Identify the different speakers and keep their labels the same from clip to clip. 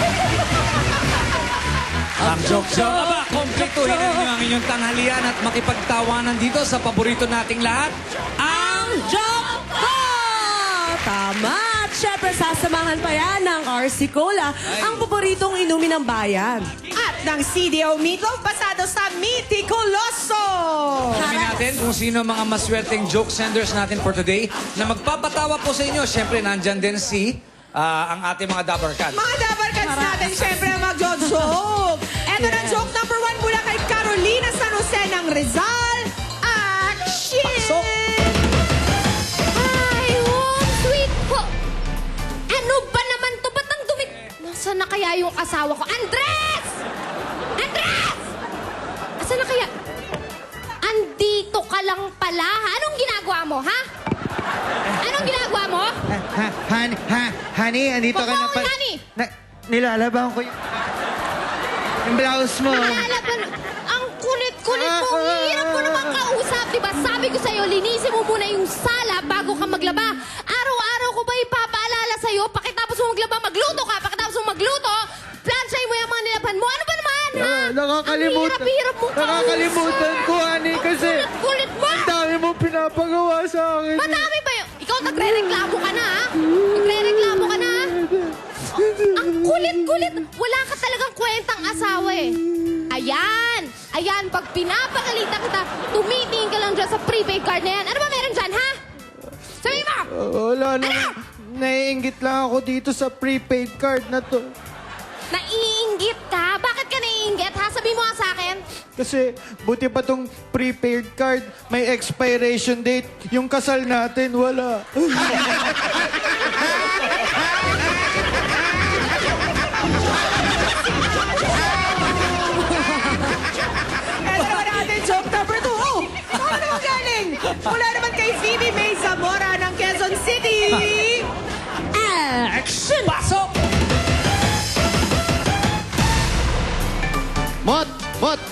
Speaker 1: Ang joke-joke. Aba, kompletuhin ninyo ang inyong tanghalian at makipagtawanan dito sa paborito nating lahat, ang
Speaker 2: Joke ko! Tama! At syempre, sasamahan pa yan ng RC Cola, ang paboritong inumin ng bayan.
Speaker 3: At ng CDO Meatloaf pasado sa Miticuloso.
Speaker 1: alamin natin kung sino mga maswerteng joke senders natin for today na magpapatawa po sa inyo. Syempre, nandyan din si ang ating mga Dabarkan.
Speaker 3: Mga dabarkans natin, syempre, mag-joke. Eto na joke number 1 mula kay Carolina San Jose ng Rizal. Action!
Speaker 1: Pasok!
Speaker 4: Ay, home sweet ho. Ano ba naman to? Ba't ang dumi? Nasaan na kaya yung asawa ko? Andres! Andres! Nasaan na kaya? Andito ka lang pala, ha? Anong ginagawa mo, ha? Anong ginagawa mo?
Speaker 5: Honey, andito ka na
Speaker 4: Bakit,
Speaker 5: pa.
Speaker 4: honey?
Speaker 5: Nilalaban ko yung blouse mo.
Speaker 4: Nalalaban. Ang kulit-kulit mo. Ang hirap mo naman kausap, di ba? Sabi ko sa'yo, linisin mo muna yung sala bago ka maglaba. Araw-araw ko ba ipapaalala sa'yo? Pakitapos mo maglaba, magluto ka. Pakitapos mo magluto, plansay mo yung mga nilaban mo. Ano ba naman, ha?
Speaker 5: Nakakalimutan.
Speaker 4: Ang hirap mo kausap.
Speaker 5: Nakakalimutan ko, honey, kasi
Speaker 4: Kulit mo.
Speaker 5: ang dami mo pinapagawa sa akin.
Speaker 4: Madami ba yun? Ikaw nagre-reklamo ka na, ha? Nagre-reklamo ka na, ha? Ang kulit-kulit. Wala ka talagang kwentang asawa, eh. Ayan. Ayan, pag pinapakalitan kita, tumitingin ka lang dyan sa prepaid card na yan. Ano ba meron dyan, ha? Sabi mo!
Speaker 5: Wala na. Naiinggit lang ako dito sa prepaid card na to.
Speaker 4: Naiinggit ka? Bakit ka naiinggit, ha? Sabi mo nga sa akin.
Speaker 5: Kasi buti pa tong prepaid card, may expiration date. Yung kasal natin, wala.
Speaker 3: Eto naman natin, joke number 2. Oh, saan naman galing? Mula naman kay Phoebe May Zamora ng Quezon City.
Speaker 1: Action! Pasok!
Speaker 6: Mot! Mot!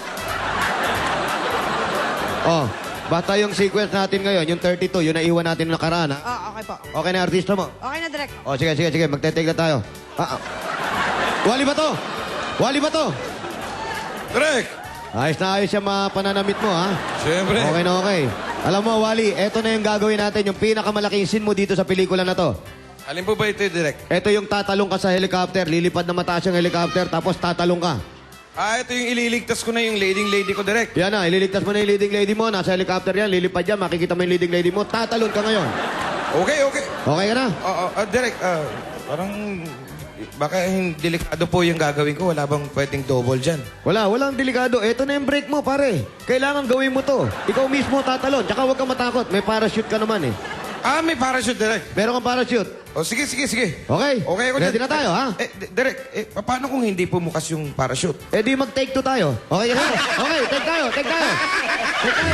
Speaker 6: Oh, bata yung sequence natin ngayon, yung 32, yung naiwan natin ng nakaraan, ha?
Speaker 3: Okay po.
Speaker 6: Okay na artista mo?
Speaker 3: Okay na, direct.
Speaker 6: Oh, sige, sige, sige, magte-take na tayo. Wali ba to? Wali ba to?
Speaker 7: Correct!
Speaker 6: Ayos na ayos yung mga pananamit mo, ha?
Speaker 7: Siyempre.
Speaker 6: Okay na okay. Alam mo, Wally, eto na yung gagawin natin, yung pinakamalaking scene mo dito sa pelikula na to.
Speaker 7: Alin po ba ito, Direk?
Speaker 6: Eto yung tatalong ka sa helicopter, lilipad na mataas yung helicopter, tapos tatalong ka.
Speaker 7: Ito yung ililigtas ko na yung leading lady ko, Direk.
Speaker 6: Yan na, ililigtas mo na yung leading lady mo, nasa helicopter yan, lilipad yan, makikita mo yung leading lady mo, tatalon ka ngayon.
Speaker 7: Okay, okay.
Speaker 6: Okay ka na?
Speaker 7: Direk, parang baka delikado po yung gagawin ko. Wala bang pwedeng double dyan?
Speaker 6: Walang delikado. Eto na yung break mo, pare. Kailangan gawin mo to. Ikaw mismo tatalon. Tsaka huwag kang matakot. May parachute ka naman eh.
Speaker 7: May parachute, Direk.
Speaker 6: Meron kang parachute.
Speaker 7: Sige, sige, sige.
Speaker 6: Okay?
Speaker 7: Okay ako
Speaker 6: Ready
Speaker 7: dyan.
Speaker 6: na tayo, ha?
Speaker 7: Direk, paano kung hindi pumukas yung parachute?
Speaker 6: Eh di mag-take two tayo. Okay, okay. Okay, take tayo, take tayo. Take tayo.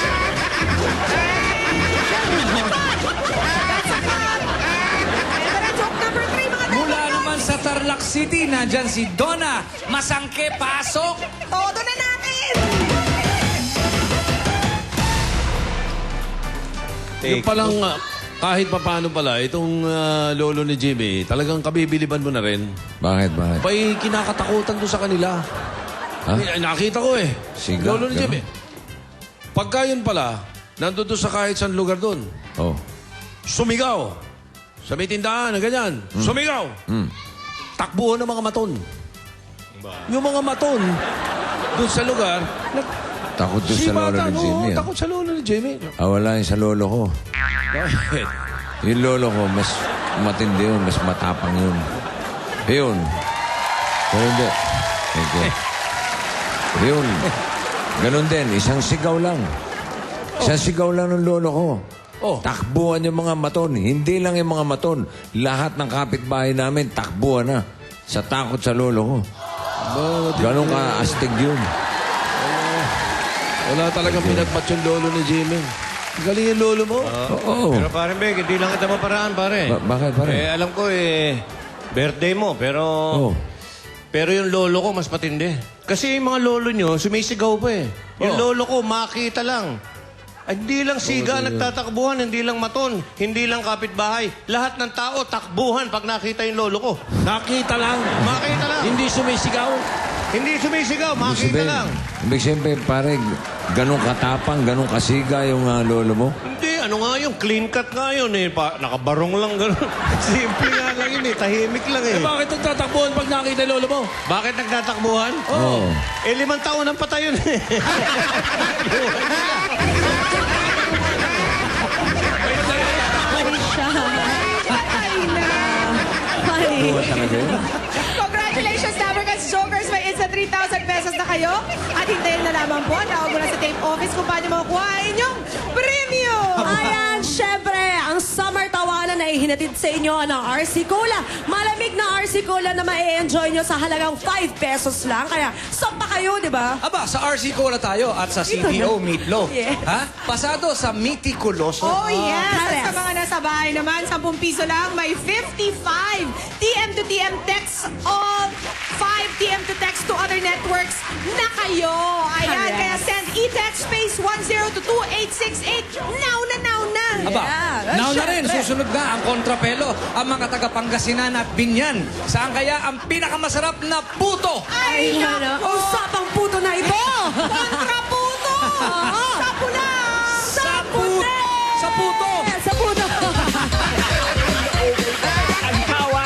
Speaker 3: Eto na, joke number 3, mga
Speaker 1: Mula naman sa Tarlac City, nandyan si Donna. Masangke, pasok!
Speaker 3: Todo na natin!
Speaker 8: Yung palang, kahit papaano pala, itong lolo ni Jimmy, talagang kabibiliban mo na rin.
Speaker 9: Bakit? Bakit?
Speaker 8: Pa'y kinakatakutan doon sa kanila.
Speaker 9: Ha?
Speaker 8: Nakita ko eh.
Speaker 9: Siga,
Speaker 8: Lolo ni
Speaker 9: ganun?
Speaker 8: Jimmy. Pagka yun pala, nandun doon sa kahit saan lugar doon.
Speaker 9: Oh.
Speaker 8: Sumigaw. Sa may tindahan, na ganyan. Sumigaw. Takbuhan ng mga maton. Yung mga maton, doon sa lugar,
Speaker 9: Takot doon sa lolo ni Jimmy. ah.
Speaker 8: takot sa lolo ni Jimmy.
Speaker 9: Wala yung sa lolo ko.
Speaker 8: Bakit?
Speaker 9: Yung lolo ko, mas matindi yun, mas matapang yun. Yun. Pero hindi. Thank you. Yun. Ganun din, isang sigaw lang. Isang sigaw lang ng lolo ko.
Speaker 8: Oh.
Speaker 9: Takbuhan yung mga maton. Hindi lang yung mga maton. Lahat ng kapitbahay namin, takbuhan na. Sa takot sa lolo ko. Ganun ka astig yun.
Speaker 8: Wala talagang pinagpat yung lolo ni Jimmy. Galing yung lolo mo.
Speaker 9: Oo.
Speaker 10: Pero pare Meg, hindi lang kita maparaan, pare.
Speaker 9: Bakit, pare?
Speaker 10: Alam ko birthday mo, pero...
Speaker 9: Oh.
Speaker 10: Pero yung lolo ko mas patindi. Kasi yung mga lolo nyo, sumisigaw pa eh. Yung lolo ko, makita lang. Ay, hindi lang siga nagtatakbuhan, hindi lang maton, hindi lang kapitbahay. Lahat ng tao takbuhan pag nakita yung lolo ko.
Speaker 8: Nakita lang.
Speaker 10: Makita lang.
Speaker 8: Hindi sumisigaw.
Speaker 10: Hindi sumisigaw, makita lang.
Speaker 9: Ibig sabihin, pare, ganun katapang, ganun kasiga yung lolo mo?
Speaker 10: Hindi, ano nga yung clean cut nga yun eh. Nakabarong lang gano'n. Simple nga lang yun eh, tahimik lang eh.
Speaker 8: Eh, bakit nagtatakbuhan pag nakita yung lolo mo?
Speaker 10: Bakit nagtatakbuhan?
Speaker 9: Oo.
Speaker 10: 5 taon ang patay yun eh.
Speaker 2: Funny siya. Funny.
Speaker 9: Buwan talaga yun.
Speaker 3: Congratulations, Tabercats Jokers! May instant 3,000 pesos na kayo. At hintayin na lamang po. Tawag mo na sa tape office kung paano makukuha ang inyong premium!
Speaker 2: Ayan, syempre, ang summer tawanan na ihinatid sa inyo ng RC Cola. Malamig na RC Cola na ma-enjoy nyo sa halagang 5 pesos lang. Kaya, sampa kayo, di ba?
Speaker 1: Aba, sa RC Cola tayo at sa CTO Meatloaf.
Speaker 2: Yeah.
Speaker 1: Ha? Pasado sa Mitikuloso.
Speaker 3: Oh, yes! At
Speaker 2: Correct.
Speaker 3: sa mga nasa bahay naman, 10 piso lang, may 55 TM to TM texts all 5 TM to text to other networks na kayo. Ayan,
Speaker 2: Correct.
Speaker 3: kaya send e-text space 10 to 2868. Now na, now na!
Speaker 1: Aba,
Speaker 2: Yeah.
Speaker 1: now na rin,
Speaker 2: Syempre.
Speaker 1: susunod na ang kontrapelo, ang mga taga Pangasinan at Binyan. Saan kaya ang pinakamasarap na puto?
Speaker 3: Ay,
Speaker 2: Ano?
Speaker 3: nako!
Speaker 2: Usapang puto na ito!
Speaker 3: Kontra